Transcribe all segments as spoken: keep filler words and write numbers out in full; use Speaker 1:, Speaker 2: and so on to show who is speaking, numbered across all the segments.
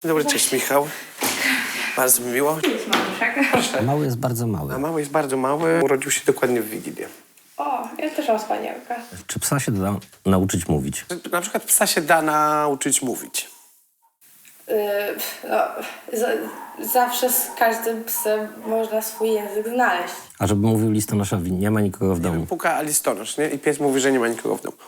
Speaker 1: Dobry, cześć Michał. Bardzo mi miło.
Speaker 2: Jest maluszek.
Speaker 1: Proszę.
Speaker 3: Mały jest bardzo mały.
Speaker 1: A mały jest bardzo mały. Urodził się dokładnie w Wigilię.
Speaker 2: O, ja też mam spanielkę.
Speaker 3: Czy psa się da nauczyć mówić?
Speaker 1: Na przykład psa się da nauczyć mówić.
Speaker 2: Yy, no, za, zawsze z każdym psem można swój język znaleźć.
Speaker 3: A żeby mówił listonoszowi, nie ma nikogo w domu.
Speaker 1: Puka listonosz, nie? I pies mówi, że nie ma nikogo w domu.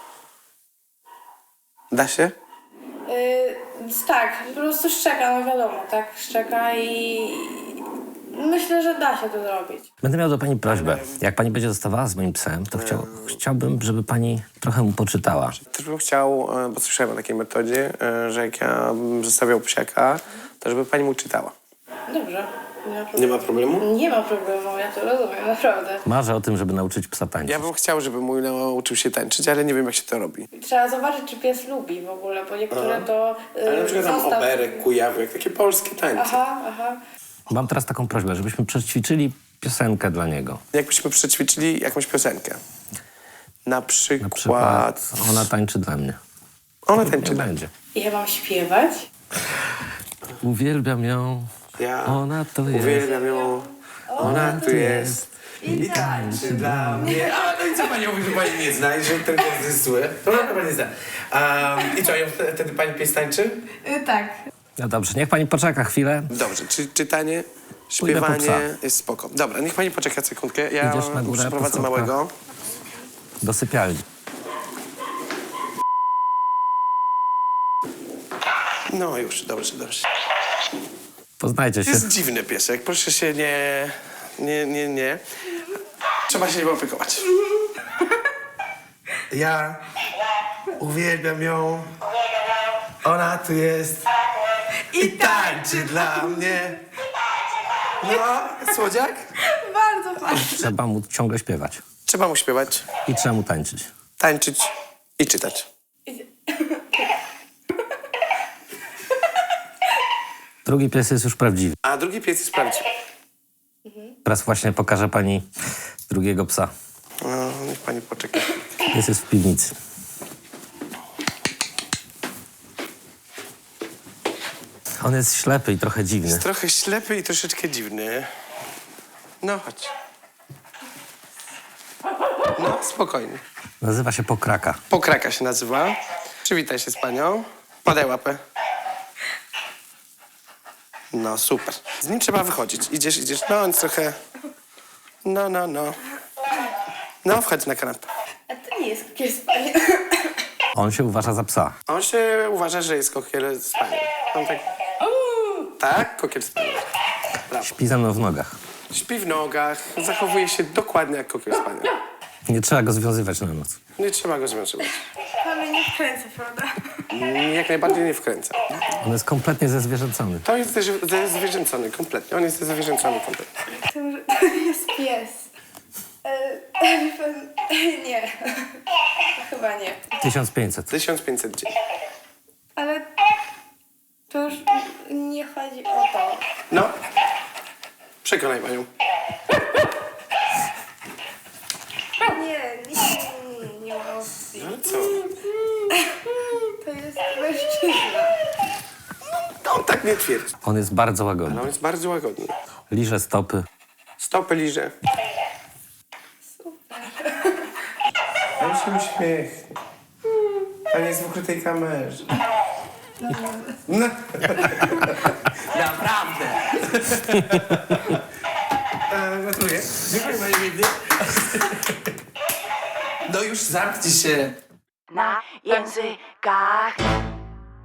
Speaker 1: Da się?
Speaker 2: Yy, tak, po prostu szczeka, no wiadomo, tak, szczeka i myślę, że da się to zrobić.
Speaker 3: Będę miał do pani prośbę. Jak pani będzie zostawała z moim psem, to chciał, chciałbym, żeby pani trochę mu poczytała.
Speaker 1: Też bym chciał, e, bo słyszałem o takiej metodzie, e, że jak ja bym zostawiał psiaka, to żeby pani mu czytała.
Speaker 2: Dobrze, nie ma problemu.
Speaker 1: Nie ma problemu?
Speaker 2: Nie ma problemu, ja to rozumiem, naprawdę.
Speaker 3: Marzę o tym, żeby nauczyć psa tańczyć.
Speaker 1: Ja bym chciał, żeby mój nauczył się tańczyć, ale nie wiem, jak się to robi.
Speaker 2: Trzeba zobaczyć, czy pies lubi w ogóle, bo niektóre to... Yy,
Speaker 1: Ale na przykład tam
Speaker 2: zostaw-
Speaker 1: oberek, kujawek, takie polskie tańce.
Speaker 2: Aha, aha.
Speaker 3: Mam teraz taką prośbę, żebyśmy przećwiczyli piosenkę dla niego.
Speaker 1: Jakbyśmy przećwiczyli jakąś piosenkę. Na przykład...
Speaker 3: Na przykład ona tańczy dla mnie.
Speaker 1: Ona
Speaker 3: Nie
Speaker 1: tańczy.
Speaker 3: będzie.
Speaker 2: Ja mam śpiewać?
Speaker 3: Uwielbiam ją,
Speaker 1: Ja
Speaker 3: ona to jest.
Speaker 1: uwielbiam ją. Ona tu jest. I tańczy dla mnie. A no i co pani mówi, że pani nie zna i że ten głos jest zły? To ona pani nie zna. Um, I co, ją wtedy wtedy pani pies tańczy?
Speaker 2: Yy, tak.
Speaker 3: No dobrze, niech pani poczeka chwilę.
Speaker 1: Dobrze, czy czytanie,
Speaker 3: Pójdę po
Speaker 1: śpiewanie
Speaker 3: psa.
Speaker 1: jest spoko. Dobra, niech pani poczeka sekundkę. Ja
Speaker 3: Idziesz na górę,
Speaker 1: przeprowadzę
Speaker 3: po schodkach?
Speaker 1: małego.
Speaker 3: Do sypialni.
Speaker 1: No już, dobrze, dobrze.
Speaker 3: Poznajcie się.
Speaker 1: Jest dziwny piesek, proszę się nie... Nie, nie, nie. Trzeba się nim opiekować. Ja uwielbiam ją. Ona tu jest. I tańczy dla mnie. No, słodziak?
Speaker 2: Bardzo fajnie.
Speaker 3: Trzeba mu ciągle śpiewać.
Speaker 1: Trzeba mu śpiewać,
Speaker 3: I trzeba mu tańczyć.
Speaker 1: tańczyć i czytać.
Speaker 3: Drugi pies jest już prawdziwy.
Speaker 1: A drugi pies jest prawdziwy.
Speaker 3: Teraz właśnie pokażę pani drugiego psa.
Speaker 1: No, niech pani poczeka.
Speaker 3: Pies jest w piwnicy. On jest ślepy i trochę dziwny.
Speaker 1: Jest trochę ślepy i troszeczkę dziwny. No, chodź. No, spokojnie.
Speaker 3: Nazywa się Pokraka.
Speaker 1: Pokraka się nazywa. Przywitaj się z panią. Podaj łapę. No, super. Z nim trzeba wychodzić. Idziesz, idziesz. No, on jest trochę... No, no, no. No, wchodź na kanapę.
Speaker 2: A to nie jest takie spanie.
Speaker 3: On się uważa za psa.
Speaker 1: On się uważa, że jest kokiel z panią. On tak... Tak, kokiel z panią. Brawo.
Speaker 3: Śpi ze mną w nogach.
Speaker 1: Śpi w nogach. Zachowuje się dokładnie jak kokiel z panią.
Speaker 3: Nie trzeba go związywać na noc.
Speaker 1: Nie trzeba go związywać.
Speaker 2: Pan mnie nie wkręca, prawda?
Speaker 1: Jak najbardziej nie wkręca.
Speaker 3: On jest kompletnie zezwierzęcony.
Speaker 1: To jest też zwierzęcony kompletnie. On jest zwierzęcony kompletnie.
Speaker 2: To, to jest pies. E, wie pan, nie. Chyba nie.
Speaker 3: tysiąc pięćset.
Speaker 1: tysiąc pięćset dzień.
Speaker 2: Ale to już nie chodzi o to.
Speaker 1: No. Przekonaj panią.
Speaker 2: Nie, nie, nie ma opcji.
Speaker 1: Ale co?
Speaker 2: To jest mężczyzna.
Speaker 1: No, on tak nie twierdzi.
Speaker 3: On jest bardzo
Speaker 1: Ale
Speaker 3: łagodny.
Speaker 1: on jest bardzo łagodny.
Speaker 3: Liże stopy.
Speaker 1: Stopy liże. On się uśmiechnie. Pan jest w ukrytej kamerze. No. Naprawdę. E, Gratuluję. Dziękuję panie Widny. No już zamknij się.
Speaker 4: Na językach